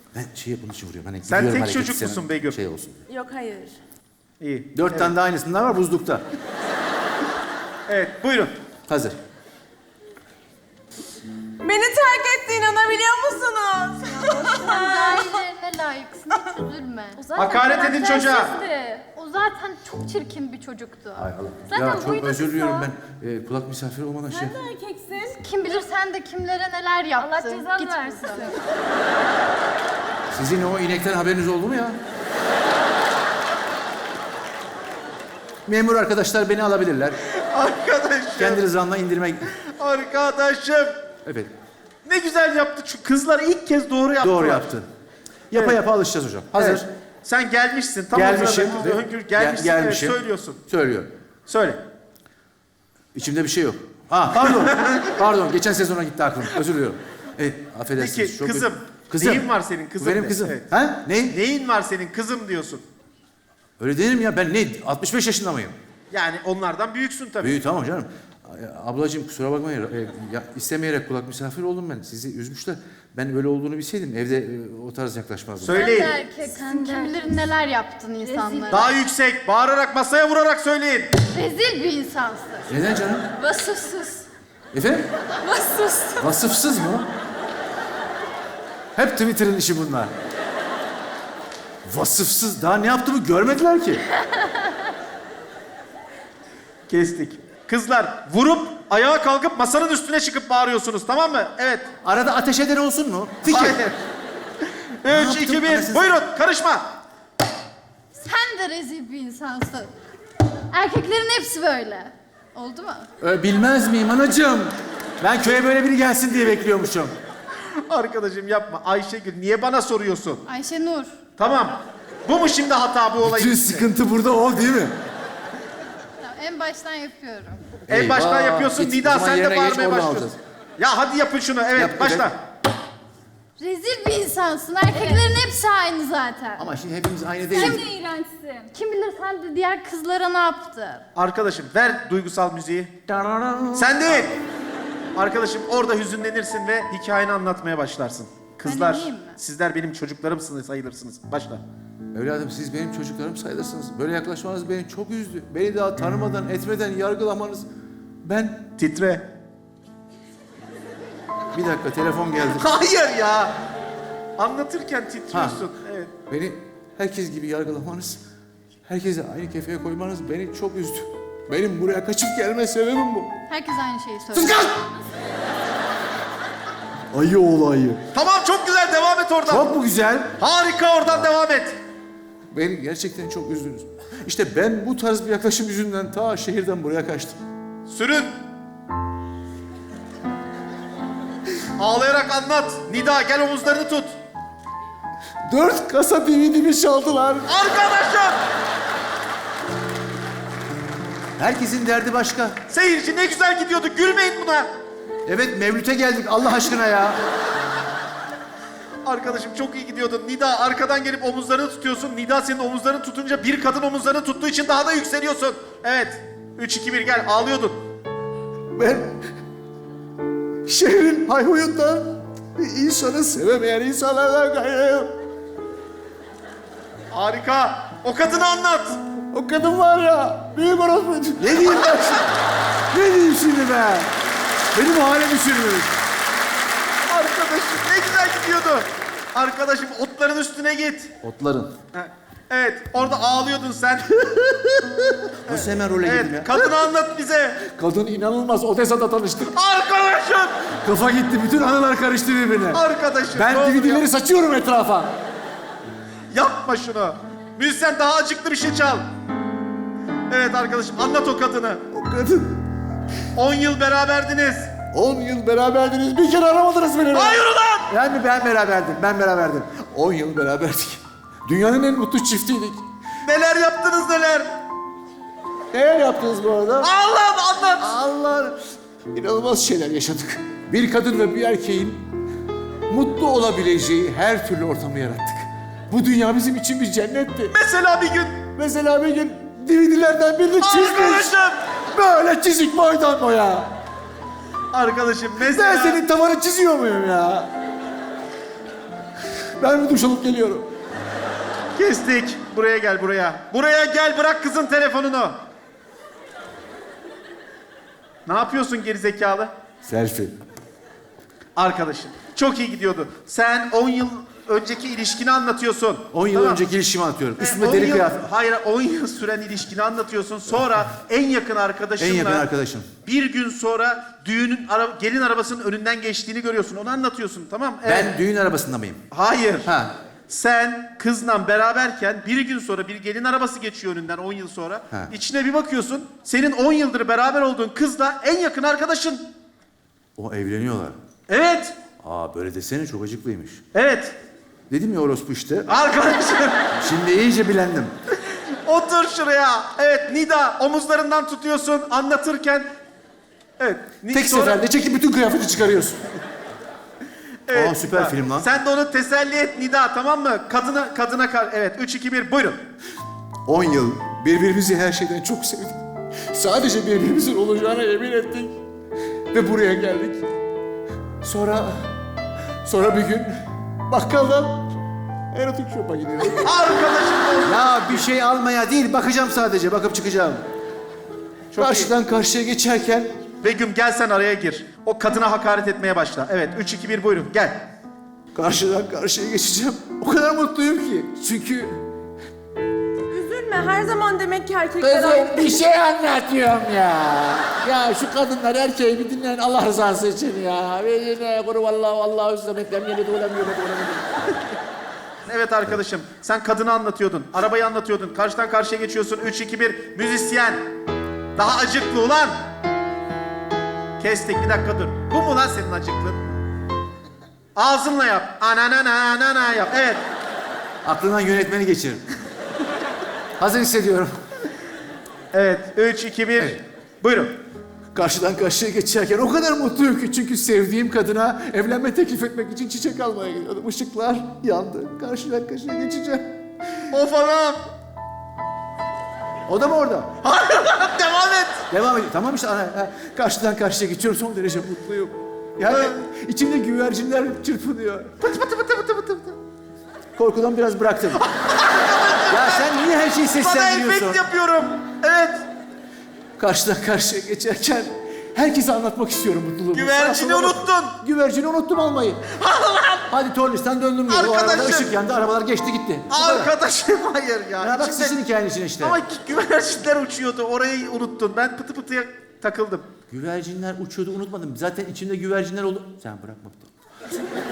Ben bunun için vuruyorum. Hani Sen gidiyorum tek hareketi, çocuk musun senin Begüm? Şey olsun. Yok hayır. İyi. 4 tane daha aynısından var buzlukta. Evet, buyurun. Hazır. Beni terk etti, inanabiliyor musunuz? Sen ailelerine layıksın, hiç üzülme. O zaten Hakaret edin çocuğa. karaktersizdi. O zaten çok çirkin bir çocuktu. Ay Allah. Zaten Ya çok boyu da özür kısa. diliyorum ben. Kulak misafiri olmadan şey. Sen de erkeksin. Kim bilir sen de kimlere neler yaptın. Allah cezanı Git versin. buradan. Sizin o inekten haberiniz oldu mu ya? Memur arkadaşlar beni alabilirler. Arkadaşım. Kendi rızamla indirme... Arkadaşım. Evet. Ne güzel yaptı. Şu kızlar ilk kez doğru yaptılar. Doğru yaptın. Yapa yapa alışacağız hocam. Hazır. Evet. Sen gelmişsin. Tam Gelmişim. o sırada gelmişsin. Gelmişim. Evet, söylüyorsun. Söylüyorum. Söyle. İçimde bir şey yok. Pardon. Pardon. Geçen sezona gitti aklım. Özür diliyorum. Evet, affedersiniz. Peki Çok kızım. Kızım. Neyin var senin kızım? Bu benim de? kızım. Evet. Ha? Ne? Neyin var senin kızım diyorsun. Öyle değilim ya. Ben ne? 65 yaşında mıyım? Yani onlardan büyüksün tabii. Büyük tamam canım. Ablacığım kusura bakmayın. İstemeyerek kulak misafir oldum ben. Sizi üzmüşler. Ben böyle olduğunu bilseydim evde o tarz yaklaşmazdım. Söyleyin. Sen de erkeksin, kim bilir neler yaptın insanlara. Daha yüksek, bağırarak masaya vurarak söyleyin. Rezil bir insansın. Neden canım? Vasıfsız. Efendim? Vasıfsız. Vasıfsız mı? Hep Twitter'ın işi bunlar. Vasıfsız. Daha ne yaptığımı görmediler ki. Kestik. Kızlar vurup ayağa kalkıp masanın üstüne çıkıp bağırıyorsunuz, tamam mı? Evet. Arada ateş eden olsun mu? Fikir. Hayır. 3, yaptım 2, 1. anasını Buyurun, karışma. Sen de rezil bir insansın. Erkeklerin hepsi böyle. Oldu mu? Bilmez miyim anacığım? Ben köye böyle biri gelsin diye bekliyormuşum. Arkadaşım yapma. Ayşegül niye bana soruyorsun? Ayşenur. Tamam. Bu mu şimdi hata bu olayın? Bütün içinde? sıkıntı burada o değil mi? Tamam, en baştan yapıyorum. En baştan Eyvah. yapıyorsun. Git, o Nida zaman sen de yerine geç, bağırmaya oradan başlıyorsun. alacağız. Ya hadi yapın şunu. Evet, Yap, başla. Rezil bir insansın. Erkeklerin hepsi aynı zaten. Ama şimdi hepimiz aynı Sen değiliz. de iğrençsin. Kim bilir sen de diğer kızlara ne yaptın? Arkadaşım ver duygusal müziği. Sen değil. Arkadaşım orada hüzünlenirsin ve hikayeni anlatmaya başlarsın. Kızlar, ineyim mi? sizler benim çocuklarımsınız, sayılırsınız. Başla. Evladım siz benim çocuklarım sayılırsınız. Böyle yaklaşmanız beni çok üzdü. Beni daha tanımadan, etmeden yargılamanız... Ben... Titre. Bir dakika telefon geldi. Hayır ya. Anlatırken titriyorsun. Evet. Beni herkes gibi yargılamanız, herkese aynı kefeye koymanız beni çok üzdü. Benim buraya kaçıp gelme sebebim bu. Herkes aynı şeyi söylüyor. Sus kız! Ayı oğlu ayı. Tamam, çok güzel, devam et oradan. Çok mu güzel? Harika, oradan devam et. Beni gerçekten çok üzdünüz. İşte ben bu tarz bir yaklaşım yüzünden ta şehirden buraya kaçtım. Sürün. Ağlayarak anlat. Nida gel omuzlarını tut. 4 kasa DVD'mi çaldılar. Arkadaşım. Herkesin derdi başka. Seyirci ne güzel gidiyordu. Gülmeyin buna. Evet Mevlüt'e geldik Allah aşkına ya. Arkadaşım çok iyi gidiyordun. Nida arkadan gelip omuzlarını tutuyorsun. Nida senin omuzlarını tutunca bir kadın omuzlarını tuttuğu için daha da yükseliyorsun. Evet. 3, 2, 1 gel. Ağlıyordun. Ben şehrin hayhuyundan insanı sevemeyen insanlardan gayrıyım. Harika. O kadını anlat. O kadın var ya, büyük orospu. Ne diyeyim ben şimdi? Ne diyeyim şimdi ben? Benim halimi sürmüş. Arkadaşım ne güzel gidiyordu. Arkadaşım otların üstüne git. Otların. Ha, evet, orada ağlıyordun sen. Nasıl hemen role girdim ya? Evet, kadını anlat bize. Kadın inanılmaz, Odessa'da tanıştık. Arkadaşım. Kafa gitti, bütün anılar karıştı birbirine. Arkadaşım. Ben ne olur DVD'leri saçıyorum etrafa. yapma şunu. Müzisyen daha acıklı bir şey çal. Evet arkadaşım, anlat o kadını. O kadın. 10 yıl beraberdiniz. 10 yıl beraberdiniz, bir kere aramadınız beni. Hayır ulan! Yani ben beraberdim. 10 yıl beraberdik. Dünyanın en mutlu çiftiydik. Neler yaptınız neler? Neler yaptınız bu arada? Allah'ım anlat. Allah! İnanılmaz şeyler yaşadık. Bir kadın ve bir erkeğin mutlu olabileceği her türlü ortamı yarattık. Bu dünya bizim için bir cennetti. Mesela bir gün. Mesela bir gün DVD'lerden birini çizmiş. Arkadaşım. Böyle çizik boydan boya. Arkadaşım Ben mesela. senin tavanı çiziyor muyum ya? Ben bir duş alıp geliyorum. Kestik. Buraya gel buraya. Buraya gel, bırak kızın telefonunu. Ne yapıyorsun gerizekalı? Selfie. Arkadaşım çok iyi gidiyordu. Sen 10 yıl önceki ilişkini anlatıyorsun. 10 yıl Tamam. önceki ilişkimi anlatıyorum. Üstüme 10 deri yıl- kıyafet. Hayır, 10 yıl süren ilişkini anlatıyorsun. Sonra en yakın arkadaşınla... En yakın arkadaşım. Bir gün sonra gelin arabasının önünden geçtiğini görüyorsun. Onu anlatıyorsun, tamam? Evet. Ben düğün arabasında mıyım? Hayır. Ha. Sen kızla beraberken bir gün sonra bir gelin arabası geçiyor önünden 10 yıl sonra. Ha. İçine bir bakıyorsun. Senin 10 yıldır beraber olduğun kızla en yakın arkadaşın. O evleniyorlar. Evet. Aa böyle desene çok acıklıymış. Evet. Dedim ya orospu işte. Arkadaşım. Şimdi iyice bilendim. Otur şuraya. Evet, Nida, omuzlarından tutuyorsun anlatırken. Evet. Tek sonra- seferde çekip bütün kıyafeti çıkarıyorsun. Evet, Aa, süper Nida. film lan. Sen de onu teselli et Nida, tamam mı? Kadına evet, 3 2 1 buyurun. 10 yıl birbirimizi her şeyden çok sevdik. Sadece birbirimizin olacağına emin ettik. Ve buraya geldik. Sonra bir gün bakkaldan erotik shop'a gidiyoruz. Arkadaşım. Ya bir şey almaya değil, bakacağım sadece, bakıp çıkacağım. Çok Karşıdan karşıya geçerken Begüm gel sen araya gir. O kadına hakaret etmeye başla. Evet, 3 2 1 buyurun gel. karşıdan karşıya geçeceğim. O kadar mutluyum ki. Çünkü Üzülme, her zaman demek ki erkekler aynı. Kızım bir şey anlatıyorum ya. Ya şu kadınlar erkeği bir dinleyin Allah rızası için ya. Ve yine kuru vallahi üstlemeklem yeni dolamıyorum. Evet arkadaşım, sen kadını anlatıyordun. Arabayı anlatıyordun. Karşıdan karşıya geçiyorsun. 3 2 1 müzisyen. Daha acıklı ulan. Kestik, bir dakika dur. Bu mu lan senin acıklın? Ağzınla yap. Ananana yap. Evet. aklından yönetmeni geçirin. Hazır hissediyorum. Evet. 3 2 1. Evet. Buyurun. Karşıdan karşıya geçerken o kadar mutluyum ki çünkü sevdiğim kadına evlenme teklif etmek için çiçek almaya gidiyordum. Işıklar yandı. Karşıdan karşıya geçeceğim. Of anam. O da mı orada? Devam et. Devam edin. Tamam işte karşıdan karşıya geçiyorum. Son derece mutluyum. Yani içimde güvercinler çırpınıyor. Pıtı pıtı pıtı pıtı pıtı. Korkudan biraz bıraktım. Ya sen niye her şeyi Bana seslendiriyorsun? efekt yapıyorum. Evet. Karşıdan karşıya geçerken herkese anlatmak istiyorum mutluluğumu. Güvercini Sağa sola bak- unuttun. Güvercini unuttum almayı. Hadi Tornis'ten döndüm. O arabada Arkadaşım. ışık yandı, arabalar geçti gitti. Bu kadar. Arkadaşım hayır ya. Ya bak İçinde- sizin hikayenin içine işte. Ama güvercinler uçuyordu. Orayı unuttun. Ben pıtı pıtıya takıldım. Güvercinler uçuyordu unutmadım. Zaten içimde güvercinler oldu. Sen bırakma.